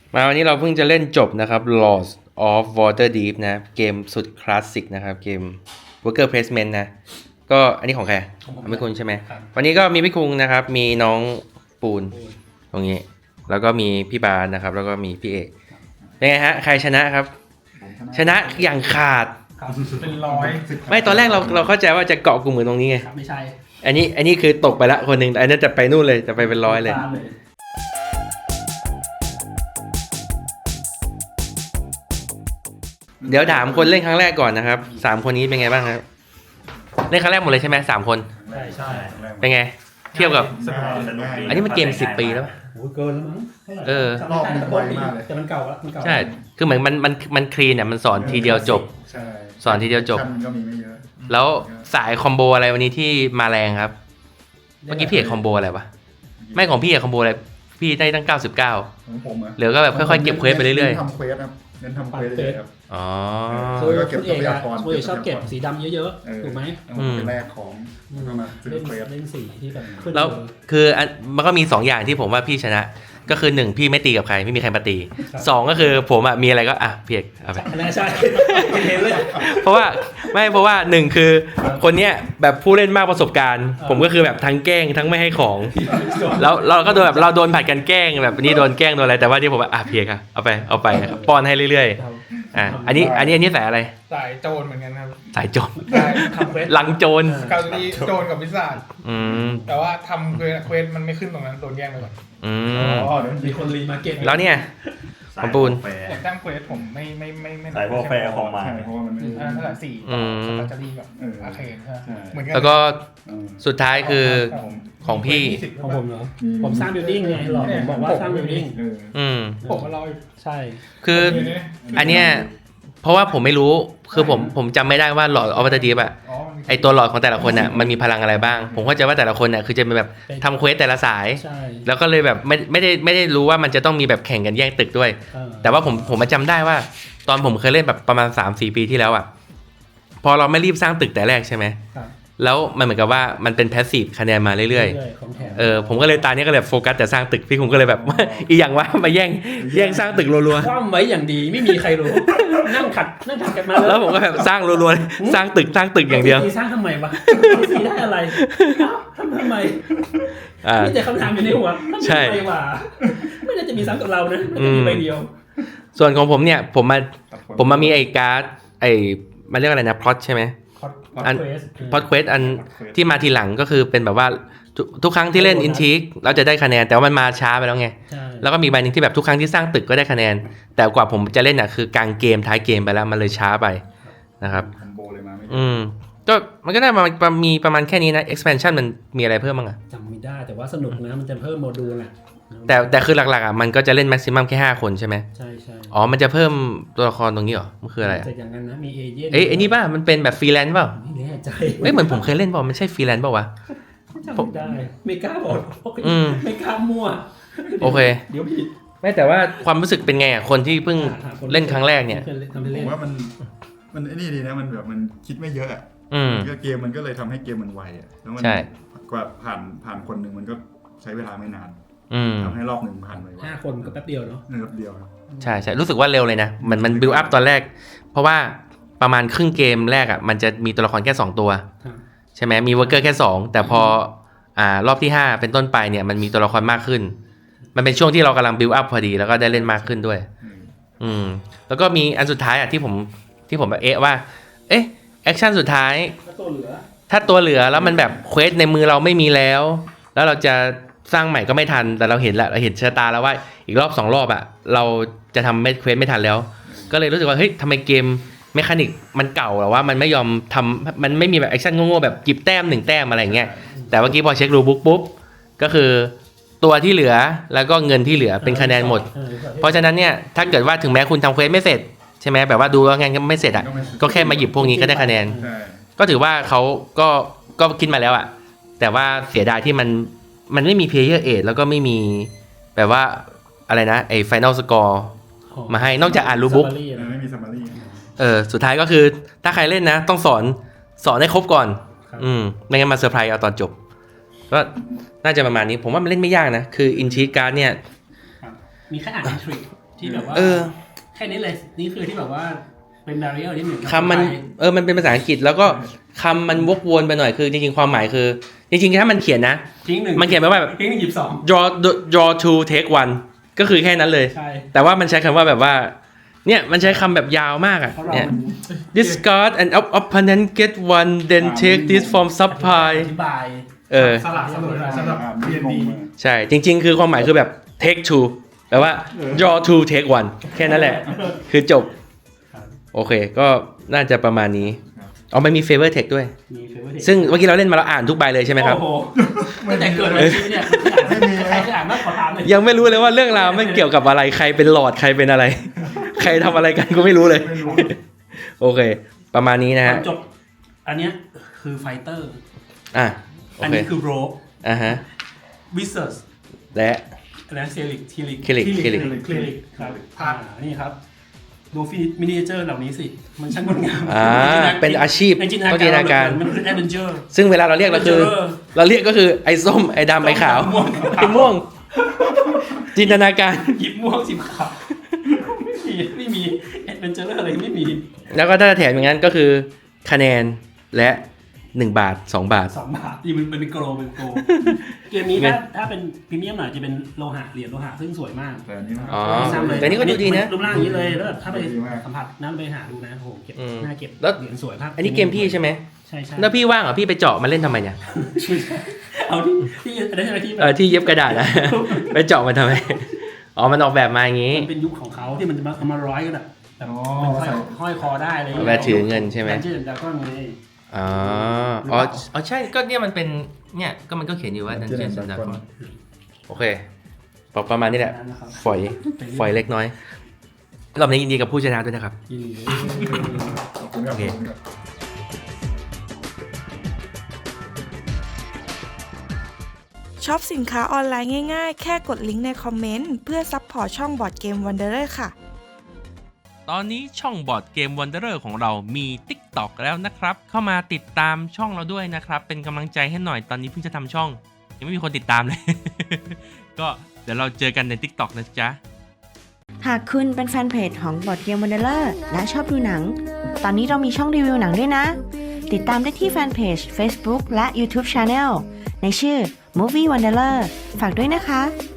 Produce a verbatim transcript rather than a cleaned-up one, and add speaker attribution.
Speaker 1: มาวันนี้เราเพิ่งจะเล่นจบนะครับ Lords of Waterdeep นะเกมสุดคลาสสิกนะครับเกม Worker Placement นะก็อันนี้ของใครของพี่คุณใช่ไหมวันนี้ก็มีพี่คุงนะครับมีน้องปูนตรงนี้แล้วก็มีพี่บาสนะครับแล้วก็มีพี่เอกยังไงฮะใครชนะครับชนะอย่างขาด
Speaker 2: เป็นร้อย
Speaker 1: ไม่ตอนแรกเราเราเข้าใจว่าจะเกาะกลุ่มเหมือนตรงนี้ไง
Speaker 2: ไม่ใช่
Speaker 1: อันนี้อันนี้คือตกไปละคนหนึ่งอันนี้จะไปนู่นเลยจะไปเป็นร้อยเลยเดี๋ยวถามคนเล่นครั้งแรกก่อนนะครับสามคนนี้เป็นไงบ้างครับเล่นครั้งแรกหมดเลยใช่ไหมสามคน
Speaker 2: ใช่ใช่
Speaker 1: เป็นไงเทียบกับอันนี้มันเกมสิบปีแล้ว
Speaker 2: โอ้เกินแล้วมั้ง
Speaker 1: เออ
Speaker 3: รอบมันไวมากเลย
Speaker 2: แต่มันเก่าแล้วมันเก่า
Speaker 1: ใช่คือเหมือนมันมันมันคลีนเนี่ยมันสอนทีเดียวจบสอนทีเดียวจบ
Speaker 3: ก็มีไม่เยอะ
Speaker 1: แล้วสายคอมโบอะไรวันนี้ที่มาแรงครับเมื่อกี้พี่เอกคอมโบอะไรวะไม่ของพี่เอกคอมโบอะไรพี่ได้ตั้งเก้าสิบเก้า
Speaker 3: ของผมอะ
Speaker 1: เหลือก็แบบค่อยๆเก็บเควสไปเรื่อย
Speaker 3: ๆทำเควสครับเน้นทำเควสเลยครับ
Speaker 1: อ๋อ
Speaker 2: คือคุณเอกอะคุณเอกชอบเก็บสีดำเยอะๆถูกไหม
Speaker 3: เป็นแรกของก็มาซื้อเควส
Speaker 2: เล่นสีที่แบบ
Speaker 1: แล้วคือมันก็มีสองอย่างที่ผมว่าพี่ชนะก็คือหนึ่งพี่ไม่ตีกับใครไม่มีใครมาตีสองก็คือผมอ่ะมีอะไรก็อ่ะเพียกเอาไป
Speaker 2: ใช่เห็นเลย
Speaker 1: เพราะว่าไม่เพราะว่าหนึ่งคือคนเนี้ยแบบผู้เล่นมากประสบการณ์ผมก็คือแบบทั้งแกล้งทั้งไม่ให้ของแล้วเราก็โดนแบบเราโดนผัดกันแกล้งแบบนี้โดนแกล้งโดนอะไรแต่ว่าที่ผมอ่ะเพียกอ่ะเอาไปเอาไปป้อนให้เรื่อยๆอ่ะอันนี้อันนี้อันนี้สายอะไร
Speaker 4: สายโจรเหมือนกันครับ
Speaker 1: สายโจร
Speaker 4: ห
Speaker 1: ลังโจร
Speaker 4: เกาหลีโจรกับพิซซ่า
Speaker 1: อืม
Speaker 4: แต่ว่าทำเควสเควสมันไม่ขึ้นตรงนั้นโดนแย่งไปก่อน
Speaker 1: อืม
Speaker 2: อ๋อมีคนรีมาเก็ต
Speaker 1: แล้วเนี่ยของปูน
Speaker 4: ผมตั้งเควสผมไม่ไม่ไม่ไม่
Speaker 5: สายโปรแฟร์ของมา
Speaker 3: เพราะว่ามันไม่
Speaker 4: อ่าเท่าไหร่สี่สตาร์จะรีแบบอาเคนใช่เหมือนกัน
Speaker 1: แล้วก็สุดท้ายคือของพี่
Speaker 2: ของผมเหรอผมสร้างบิลดิ้งไงหรอผมบอกว่าสร้างบิลดิ้ง
Speaker 1: อืม
Speaker 4: ผมก็รอ
Speaker 2: ใช่
Speaker 1: คืออันเนี้ยเพราะว่าผมไม่รู้คือผมผมจำไม่ได้ว่าหลอดออฟเดอะดีฟอะไอตัวหลอดของแต่ละคนน่ะมันมีพลังอะไรบ้างผมเข้าใจว่าแต่ละคนน่ะคือจะเป็นแบบทำเควสแต่ละสายแล้วก็เลยแบบไม่ไม่ได้ไม่ได้รู้ว่ามันจะต้องมีแบบแข่งกันแย่งตึกด้วยแต่ว่าผมผมมาจำได้ว่าตอนผมเคยเล่นแบบประมาณ สามสี่ ปีที่แล้วอะพอเราไม่รีบสร้างตึกแต่แรกใช่ไหมแล้วมันเหมือนกับว่ามันเป็นแพสซีฟคะแนนมาเรื่อยๆเออผมก็เลยตาเนี้ยก็เลยโฟกัสแต่สร้างตึกพี่ผมก็เลยแบบอีอย่างว่ามาแย่งแย่งสร้างตึกรัว
Speaker 2: ๆคว่ำไว้อย่างดีไม่มีใครรู้นั่งขัดนั่งขัดกันมา
Speaker 1: แล้วผมก็แบบสร้างรัวๆสร้างตึกสร้างตึกอย่างเดียว
Speaker 2: สร้างทำไมวะสีได้อะไรทำทำไมนี่แต่คำถามอยู่ในหัวใช่ไม่น่าจะมีซ้ำกับเรานะมันจะมีใบเดียว
Speaker 1: ส่วนของผมเนี่ยผมมาผมมามีไอ้การ์ดไอ้มันเรียกอะไรนะพล็อตใช่ไหมอันพอดเควสอันที่มาทีหลังก็คือเป็นแบบว่าทุกครั้งที่เล่นอินทิกเราจะได้คะแนนแต่ว่ามันมาช้าไปแล้วไงแล้วก็มีใบนึงที่แบบทุกครั้งที่สร้างตึกก็ได้คะแนนแต่กว่าผมจะเล่นอ่ะคือกลางเกมท้ายเกมไปแล้วมันเลยช้าไปนะครับอืมก็มันก็ได้มามีประมาณแค่นี้นะ expansion มันมีอะไรเพิ่มบ้างอ่ะ
Speaker 2: จำไม่ได้แต่ว่าสนุกนะมันจะเพิ่มโมดูลอ่ะ
Speaker 1: แต่แต่คือหลักๆอ่ะมันก็จะเล่น maximum แค่ห้าคนใช่ไหม
Speaker 2: ใช่ใช่
Speaker 1: อ๋อมันจะเพิ่มตัวละครตรงนี้เหรอมันคืออะไร
Speaker 2: แต่อย่างนั้นนะมีเอเจนต์
Speaker 1: เอ้ยไอ้นี่ป่ะมันเป็นแบบฟรีแลนซ์เปล่า
Speaker 2: ไม่แน่ใจ
Speaker 1: เอ้ยเหมือนผมเคยเล่นเปล่ามันใช่ฟรีแลนซ์เปล่าวะ
Speaker 2: จำไม่ได้ไม่กล้าบอกไม่กล้ามั่ว
Speaker 1: โอเค
Speaker 2: เดี๋ยวผิด
Speaker 1: ไม่แต่ว่าความรู้สึกเป็นไงอ่ะคนที่เพิ่งเล่นครั้งแรกเนี่ย
Speaker 3: ผมว่ามันมันไอ้นี่ดีนะมันแบบมันคิดไม่เยอะอ่ะก็เกมมันก็เลยทำให้เกมมันไวอ่ะแล้วมันกว่าผ่านผ่านคนหนึ่งมันก็ใช้เวลาไม่นานทำให้รอบหนึ่งผ่านไป
Speaker 2: ห้าคนก็แป๊บเดียวเนาะ
Speaker 3: แป๊บเดียว
Speaker 1: ใช่ใช่รู้สึกว่าเร็วเลยนะมันมันบิลอัพตอนแรกเพราะว่าประมาณครึ่งเกมแรกอ่ะมันจะมีตัวละครแค่สองตัวใช่ไหมมีเวิร์กเกอร์แค่สองแต่พออ่ารอบที่ห้าเป็นต้นไปเนี่ยมันมีตัวละครมากขึ้นมันเป็นช่วงที่เรากำลังบิลอัพพอดีแล้วก็ได้เล่นมากขึ้นด้วยอืมแล้วก็มีอันสุดท้ายอ่ะที่ผมที่ผมแบบเอ๊ะว่าเอ๊ะแอคชั่นสุดท้ายถ้าตัวเหลือแล้วมันแบบเควสในมือเราไม่มีแล้วแล้วเราจะสร้างใหม่ก็ไม่ทันแต่เราเห็นแล้วเราเห็นชะตาแล้วว่าอีกรอบสองรอบอ่ะเราจะทำไม่เควสไม่ทันแล้วก็เลยรู้สึกว่าเฮ้ยทำไมเกมเมคานิกมันเก่าหรอว่ามันไม่ยอมทำมันไม่มีแบบแอคชั่นโง่ๆแบบจิบแต้มหนึ่งแต้มอะไรเงี้ยแต่เมื่อกี้พอเช็ครูบุ๊กปุ๊บก็คือตัวที่เหลือแล้วก็เงินที่เหลือเป็นคะแนนหมดเพราะฉะนั้นเนี่ยถ้าเกิดว่าถึงแม้คุณทำเควสไม่เสร็จใช่ไหมแบบว่าดูแล้วงานไม่เสร็จอ่ะก็แค่มาหยิบพวกนี้ก็ได้คะแนนก็ถือว่าเขาก็ก็คิดมาแล้วอ่ะแต่ว่าเสียดายที่มันมันไม่มี player aid แล้วก็ไม่มีแบบว่าอะไรนะไอ้ final score มาให้นอกจากอ่านรูบุ๊ก
Speaker 3: ไม่มี summary
Speaker 1: เออสุดท้ายก็คือถ้าใครเล่นนะต้องสอนสอนให้ครบก่อนอืมไม่งั้นมาเซอร์ไพรส์เอาตอนจบก็น่าจะประมาณนี้ผมว่ามันเล่นไม่ยากนะคือ Intrigue Card เนี่ย
Speaker 2: มีแค่อ่าน Intrigue ที่แบบว่า
Speaker 1: เออ
Speaker 2: แค่นี้เลยนี่คือที่แบบว่าเป็น barrier ที่เหมือนกับ
Speaker 1: คำมันเออมันเป็นภาษาอังกฤษแล้วก็คำมันวกวนไปหน่อยคือจริงๆความหมายคือจริงๆถ้ามันเขียนนะ
Speaker 2: ทิ้งหนึ่ง
Speaker 1: มันเขียนไปว่าแบบ
Speaker 2: ทิ้งหนึ่งหยิบสอง
Speaker 1: draw draw two take one ก็คือแค่นั้นเลย
Speaker 2: ใช่
Speaker 1: แต่ว่ามันใช้คำว่าแบบว่าเนี่ยมันใช้คำแบบยาวมากอ่ะ
Speaker 2: เพราะเรา
Speaker 1: เนี่ย
Speaker 2: มัน
Speaker 1: discard and opponent get one then take this from supply
Speaker 2: อธิบาย
Speaker 1: เออ
Speaker 4: สลับสนุนสำหรับ
Speaker 3: อ่าน
Speaker 4: เรียน
Speaker 3: ง
Speaker 4: ดี
Speaker 3: งเลย
Speaker 1: ใช่จริงๆ คือความหมายคือแบบ take two แปลว่า draw two take one แค่นั้นแหละ คือจบ
Speaker 2: ครับ
Speaker 1: โอเคก็น่าจะประมาณนี้อ๋อมันมี favor text ด้วย
Speaker 2: มี favor text
Speaker 1: ซึ่งเมื่อกี้เราเล่นมาเราอ่านทุกใบเลยใช่ไหมครับ
Speaker 2: โอ้โหตั้งแต่เกิดมาชีวิตเนี่ยไม่มีใครเคยอ่านมากขอถามเลย
Speaker 1: ยังไม่รู้เลยว่าเรื่องราวมันเกี่ยวกับอะไรใครเป็นหลอดใครเป็นอะไร ใครทำอะไรกันก็ไม่รู้เลย
Speaker 3: ไม่รู้
Speaker 1: โอเค ประมาณนี้นะ
Speaker 2: ตอ
Speaker 1: ฮะ
Speaker 2: นจบอันเนี้ยคือไฟเตอร์
Speaker 1: อ่ะโอ
Speaker 2: อัน
Speaker 1: เค
Speaker 2: นี้คือโรบ
Speaker 1: อ่ะฮะ
Speaker 2: วิเซอร์ส
Speaker 1: และ
Speaker 2: และเซลิกทีลิก
Speaker 1: Cleric
Speaker 2: ที
Speaker 1: Cleric
Speaker 2: คลิกครับอ่านี่ครับดูฟิมินิเจอร์เหล่านี้สิมันช่างงดงาม
Speaker 1: อ่าเป็นอาชีพ
Speaker 2: ในจินต
Speaker 1: ต้องจินต
Speaker 2: นา
Speaker 1: นา
Speaker 2: การ
Speaker 1: การ
Speaker 2: มันคือแอดเวนเจอร์
Speaker 1: ซึ่งเวลาเราเรียกเราคือ เราเรียกก็คือไอ้ส้มไอ้ดำไอ้ขาวไอ้ม่วง จินตนาการ
Speaker 2: หยิบม่วงสิบขาวไม่มีไม่มีแอดเวนเจอร์อะไรไม่มี
Speaker 1: แล้วก็ถ้าแถมอย่างนั้นก็คือคะแนนและหนึ่งบาทสองบาท
Speaker 2: สองบาทนี่มันเป็นโกลเป็นโกลเกมนี้ถ้าถ้าเป็นพรีเมียมหน่อยจะเป็นโลหะเหรียญโลหะซึ่งสวยมาก
Speaker 3: แต่อันนี้มัน
Speaker 1: อ๋อ
Speaker 2: ไม่ซ้ำเลย
Speaker 1: แต่นี่ก็ดูดีนะ
Speaker 2: รูปร่างอย่างนี้เลยแล้วแบบถ้าไป
Speaker 3: ดีมาก
Speaker 2: สัมผัสนั่นไปหาดูนะโอ้โหเก็บ
Speaker 1: อืม
Speaker 2: หน้าเก็บ
Speaker 1: แล้ว
Speaker 2: เหรียญสวยภาพ
Speaker 1: อันนี้เกมพี่ใช่ไหม
Speaker 2: ใช่ใช่
Speaker 1: แล้วพี่ว่างเหรอพี่ไปเจาะมาเล่นทำไมเนี่ย
Speaker 2: เอาที่ที่อันนั้นอะไรที่แบ
Speaker 1: เออบ ที่เย็บกระดาษนะ ไปเจาะมาทำไมอ๋อมันออกแบบมาอย่างงี้
Speaker 2: มันเป็นยุคของเขาที่มันจะมาเอามาร้อยกันอะแบบ
Speaker 3: อ๋อ
Speaker 2: เป็นห้อยห้อยคอได้อะไรอย่าง
Speaker 1: เว
Speaker 2: เงี้ย
Speaker 1: ลาถือเงินใช่ไหม
Speaker 2: แบนชื่อดาวก็ไง
Speaker 1: อ๋ออ๋ออ๋อใช่ก็เนี่ยมันเป็นเนี่ยก็มันก็เขียนอยู่ว่า Dungeons and Dragons โอเคประมาณนี้แหละ
Speaker 2: นั่นนะครับ
Speaker 1: ฝอยฝอยเล็กน้อยรอบนี้ยินดีกับผู้ชนะด้วยนะครับ
Speaker 2: ยินดี
Speaker 3: ขอบคุณครับ
Speaker 1: โอเค
Speaker 3: ขอบคุณครับ
Speaker 5: ช็อปสินค้าออนไลน์ง่ายๆ แค่กดลิงก์ในคอมเมนต์เพื่อซัพพอร์ตช่องบอร์ดเกมวันเดอร์ค่ะ
Speaker 1: ตอนนี้ช่องบอร์ดเกม Wanderer ของเรามี TikTok แล้วนะครับ เข้ามาติดตามช่องเราด้วยนะครับ เป็นกำลังใจให้หน่อยตอนนี้เพิ่งจะทำช่อง ยังไม่มีคนติดตามเลย ก็เดี๋ยวเราเจอกันใน TikTok นะจ๊ะ
Speaker 6: หากคุณเป็นแฟนเพจของบอร์ดเกมวันเดอร์และชอบดูหนัง ตอนนี้เรามีช่องรีวิวหนังด้วยนะ ติดตามได้ที่แฟนเพจ Facebook และ YouTube Channel ในชื่อ Movie Wanderer ฝากด้วยนะคะ